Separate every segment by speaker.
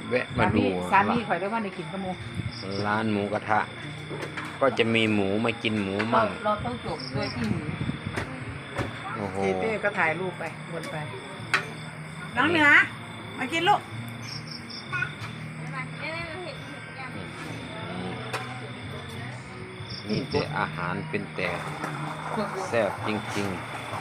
Speaker 1: แวะมาดู
Speaker 2: สามีข่อยได้ว่าในกินกระมู
Speaker 1: ร้านหมูกระทะ ก็จะมีหมูมากินหมูมั่ง
Speaker 2: เราต้องจบด้วยที่หมู
Speaker 1: โอ้โห
Speaker 2: เต้ก็ถ่ายรูปไปวนไปน้องเหนือมากินลูก
Speaker 1: นี่แต่อาหารเป็นแต่แซ่บจริง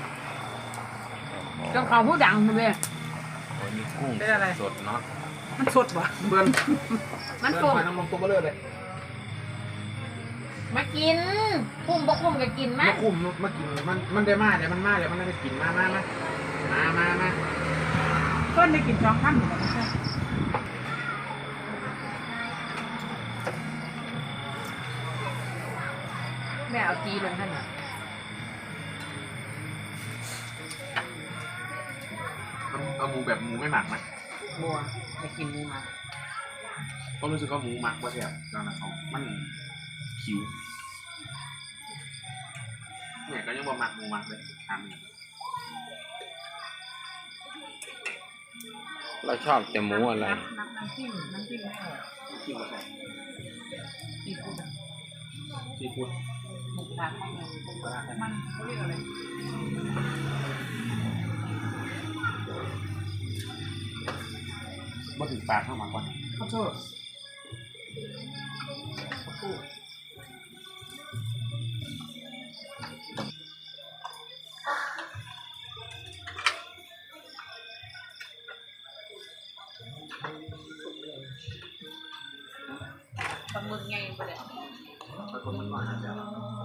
Speaker 1: ๆ
Speaker 2: เจ้าของผู้ดังเลย
Speaker 1: โอ้ยนี่กุ้ง
Speaker 2: เป็นอะไร
Speaker 1: สดเนาะ
Speaker 2: มันสดวะ
Speaker 3: เบือน
Speaker 2: มัน
Speaker 3: เบื
Speaker 2: ส
Speaker 3: อน
Speaker 2: ด
Speaker 3: หอยนางรมตัวเบลอเลย
Speaker 4: มากินคุ้มบ่คุ้มก็กินมั้
Speaker 3: มาย คุมมากินมันได้มาเดี๋ยวมันมาเดี๋ยวมันได้กินมา
Speaker 2: ต้นได้กินสองคำเหมือนกันใช่แม่เอาจีลงท่านน่ะ
Speaker 3: เอาหมูแบบหมูไม่หมักไหม
Speaker 2: บัวไปกินหมูมา
Speaker 3: ก็รู้สึกว่าหมูหมักว่าแซ่บตอนนั้นเขามันคิวเนี่ยก็ยังบ่หมักหมูหมักเลยทำเนี่ย
Speaker 1: เราชอบแต่หมูอะไร
Speaker 2: น้ำจิ้มไม่ออก
Speaker 3: คิวก็ใช่
Speaker 2: ซีฟู้ดอะ
Speaker 3: ซีฟู้ด
Speaker 2: หมูกระทะข้างในมันเขาเรียกอะไร
Speaker 3: บ่ถึงปากเข้ามาก่อน
Speaker 2: ข้าวโพดปลาหมึกไงไปเลย
Speaker 3: แต่คนมันหน่อยนะจ๊ะ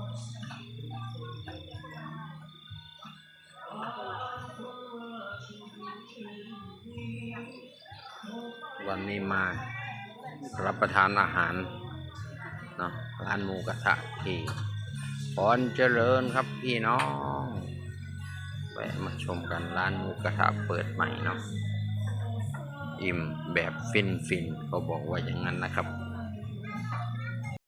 Speaker 1: วันนี้มารับประทานอาหารเนาะร้านหมูกระทะที่พรเจริญครับพี่น้องแวะมาชมกันร้านหมูกระทะเปิดใหม่เนาะอิ่มแบบฟินเขาบอกว่าอย่างนั้นนะครับ